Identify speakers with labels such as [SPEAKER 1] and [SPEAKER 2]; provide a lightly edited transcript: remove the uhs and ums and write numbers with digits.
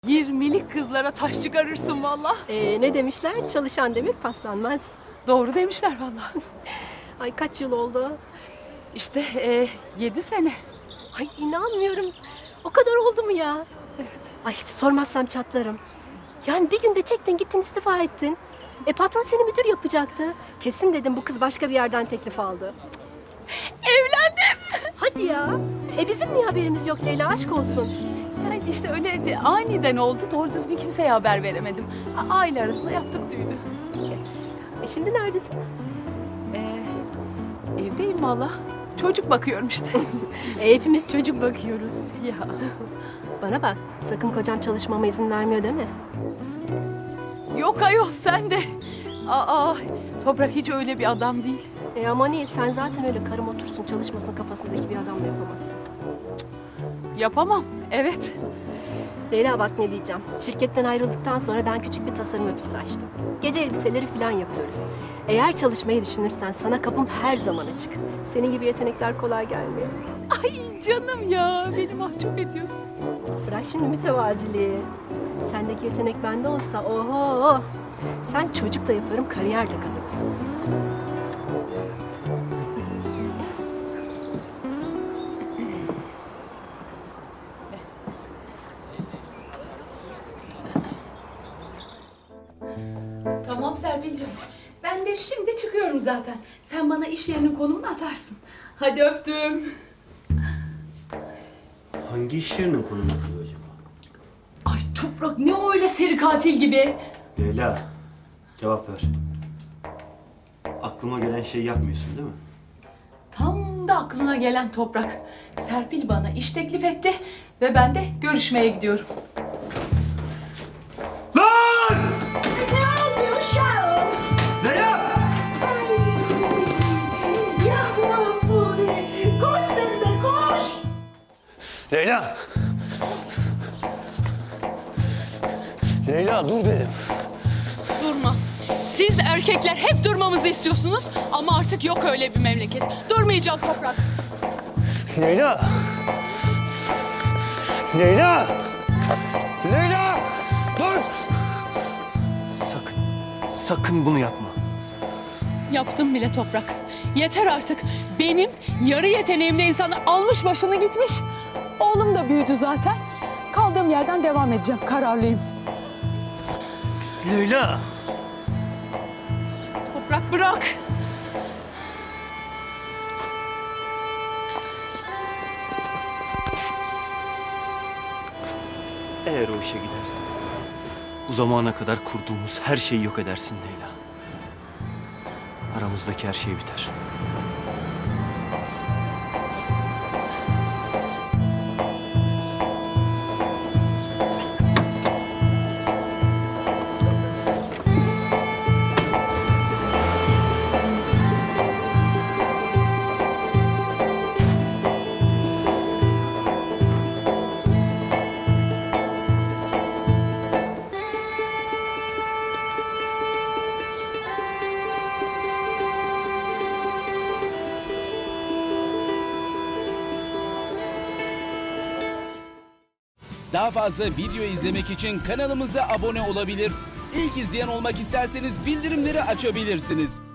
[SPEAKER 1] 20'lik kızlara taş çıkarırsın valla.
[SPEAKER 2] Ne demişler? Çalışan demir paslanmaz.
[SPEAKER 1] Doğru demişler valla.
[SPEAKER 2] Ay kaç yıl oldu?
[SPEAKER 1] İşte 7 sene.
[SPEAKER 2] Ay inanmıyorum. O kadar oldu mu ya?
[SPEAKER 1] Evet.
[SPEAKER 2] Ay hiç sormazsam çatlarım. Yani bir günde çektin gittin istifa ettin. Patron seni müdür yapacaktı. Kesin dedim bu kız başka bir yerden teklif aldı.
[SPEAKER 1] Evlendim.
[SPEAKER 2] Hadi ya. Bizim niye haberimiz yok Leyla, aşk olsun.
[SPEAKER 1] Yani işte öyle de aniden oldu. Doğru düzgün kimseye haber veremedim. Aile arasında yaptık düğünü.
[SPEAKER 2] Şimdi neredesin?
[SPEAKER 1] Evdeyim valla. Çocuk bakıyorum işte.
[SPEAKER 2] Hepimiz çocuk bakıyoruz.
[SPEAKER 1] Ya.
[SPEAKER 2] Bana bak, sakın kocam çalışmama izin vermiyor değil mi?
[SPEAKER 1] Yok ayol sen de. Toprak hiç öyle bir adam değil.
[SPEAKER 2] Ama niye? Sen zaten öyle karım otursun çalışmasın kafasındaki bir adamla yapamazsın.
[SPEAKER 1] Yapamam. Evet.
[SPEAKER 2] Leyla bak ne diyeceğim. Şirketten ayrıldıktan sonra ben küçük bir tasarım ofisi açtım. Gece elbiseleri falan yapıyoruz. Eğer çalışmayı düşünürsen sana kapım her zaman açık. Senin gibi yetenekler kolay gelmiyor.
[SPEAKER 1] Ay canım ya. Beni mahcup ediyorsun.
[SPEAKER 2] Bırak şimdi mütevaziliği. Sendeki yetenek bende olsa oho. Sen çocuk da yaparım, kariyer de kadınsın.
[SPEAKER 1] Tamam Serpil'ciğim. Ben de şimdi çıkıyorum zaten. Sen bana iş yerinin konumunu atarsın. Hadi öptüm.
[SPEAKER 3] Hangi iş yerinin konumu atılıyor acaba?
[SPEAKER 1] Ay Toprak ne öyle seri katil gibi.
[SPEAKER 3] Leyla, cevap ver. Aklıma gelen şeyi yapmıyorsun değil mi?
[SPEAKER 1] Tam da aklına gelen Toprak. Serpil bana iş teklif etti ve ben de görüşmeye gidiyorum.
[SPEAKER 3] Lan!
[SPEAKER 4] Ne oldu uşağım?
[SPEAKER 3] Leyla!
[SPEAKER 4] Yavrum Furi! Koş benimle koş!
[SPEAKER 3] Leyla! Leyla dur dedim.
[SPEAKER 1] Durma. Siz erkekler hep durmamızı istiyorsunuz ama artık yok öyle bir memleket. Durmayacağım Toprak.
[SPEAKER 3] Leyla! Leyla! Leyla! Dur! Sakın bunu yapma.
[SPEAKER 1] Yaptım bile Toprak. Yeter artık. Benim yarı yeteneğimde insanlar almış başını gitmiş. Oğlum da büyüdü zaten. Kaldığım yerden devam edeceğim. Kararlıyım.
[SPEAKER 3] Leyla!
[SPEAKER 1] Toprak bırak.
[SPEAKER 3] Eğer o işe gidersin, bu zamana kadar kurduğumuz her şeyi yok edersin Leyla. Aramızdaki her şey biter.
[SPEAKER 5] Daha fazla video izlemek için kanalımıza abone olabilir. İlk izleyen olmak isterseniz bildirimleri açabilirsiniz.